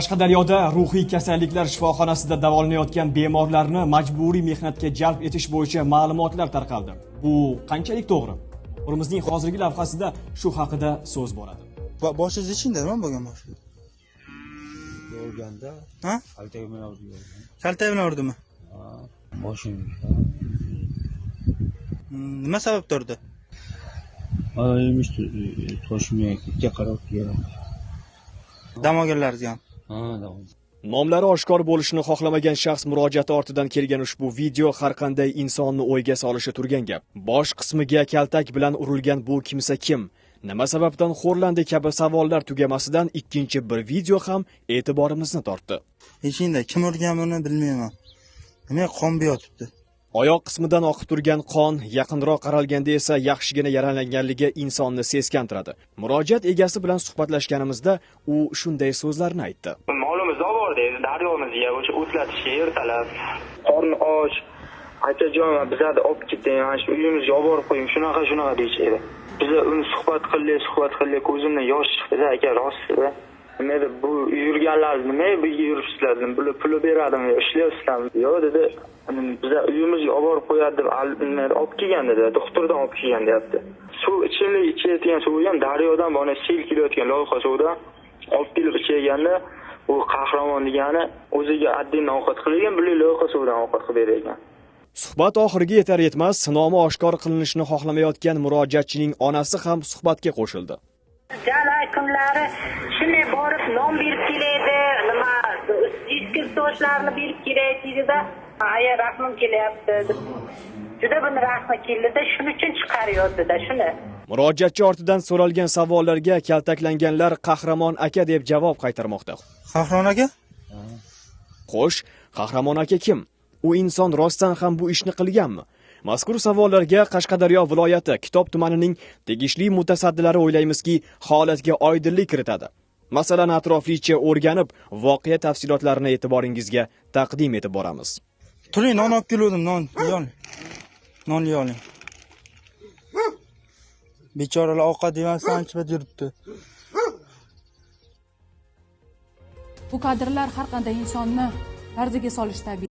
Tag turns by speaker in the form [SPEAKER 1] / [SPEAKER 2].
[SPEAKER 1] Qashqadaryoda ruhiy kasalliklar shifoxonasida davolanayotgan bemorlarni majburiy mehnatga jalb etish bo'yicha ma'lumotlar tarqaldi. Bu qanchalik to'g'ri? O'rimizning hozirgi lavhasida shu haqida so'z boradi.
[SPEAKER 2] Boshingiz ichingda nima bo'lgan boshi?
[SPEAKER 3] Yorganda.
[SPEAKER 2] Ha?
[SPEAKER 3] Kaltak bilan urdi.
[SPEAKER 2] Kaltak bilan urdimi?
[SPEAKER 3] Ha, boshim.
[SPEAKER 2] Nima sababda urdi?
[SPEAKER 3] Aymish toshimga ikki qarab keldi.
[SPEAKER 2] Dam olganlaringiz ham.
[SPEAKER 3] Ha, dam.
[SPEAKER 1] Nomlari oshkor bo'lishini xohlamagan shaxs murojaati ortidan kelgan ushbu video har qanday insonni o'yga solishi turgan gap. Bosh qismiga kaltak bilan urilgan bu kimsa kim? Nima sababdan xo'rlandi kabi savollar tugamasidan ikkinchi bir video ham e'tiborimizni tortdi.
[SPEAKER 2] Ichingda kim urganini bilmayman. Nima qon yotibdi?
[SPEAKER 1] Oyoq qismidan oqib turgan qon yaqinroq qaralganda esa yaxshigina yaralanganligi insonni seskantiradi. Murojaat egasi bilan suhbatlashganimizda u shunday so'zlarni aytdi.
[SPEAKER 4] Ma'lumot bordi, daryomizga o'sha o'tlatishga ertalab. Qorni och, akajon bizlarni olib keting, mana shu uyimizga olib borib qo'ying, shunaqa deyishadi. Biz uni suhbat qildik, ko'zimdan yosh chiqdi, aka rostda. Nima edi bu yurganlar nima bu yuribsizlar, bular pul beradimi, ishlayapsizlarmi? Yo'q dedi. Biz uyimizga olib borib qo'yadi deb olib kelgan dedi, doktordan olib kelgan deyapti. Suv ichimlik ichayotgan suvi ham daryodan mana sel kelayotgan loyqa suvdan olib kelib ichaganda u qahramon degani o'ziga addindan ovqat qilgan, bular loyqa suvdan ovqat qilib bergan.
[SPEAKER 1] Suhbat oxiriga yetar yetmas nomi oshkor qilinishini xohlamayotgan murojaatchining onasi ham suhbatga qo'shildi.
[SPEAKER 5] Jalay kunlari shunday borib non berib keladi, nima eski so'zlarni berib kelaydi-da, aya rahmim kelyapti. Juda bir rahmi keldi-da, shuning uchun chiqarayotdi-da shuni.
[SPEAKER 1] Murojaatchi ortidan so'ralgan savollarga kaltaklanganlar Qahramon aka deb javob qaytarmoqda.
[SPEAKER 2] Qahramon aka?
[SPEAKER 1] Xo'sh, Qahramon aka kim? U inson rostdan ham bu ishni qilganmi? Mazkur savollarga Qashqadaryo viloyati Kitob tumanining tegishli mutasaddilari o'ylaymizki, holatga oydinlik kiritadi. Masalani atroflicha o'rganib, voqea tafsilotlarini e'tiboringizga taqdim etib boramiz.
[SPEAKER 2] Turing, non olib keldim, non oling. Bechoralar ovqat yemasdan ancha yuribdi.
[SPEAKER 6] Bu kadrlar har qanday insonni larzaga solish tabiiy.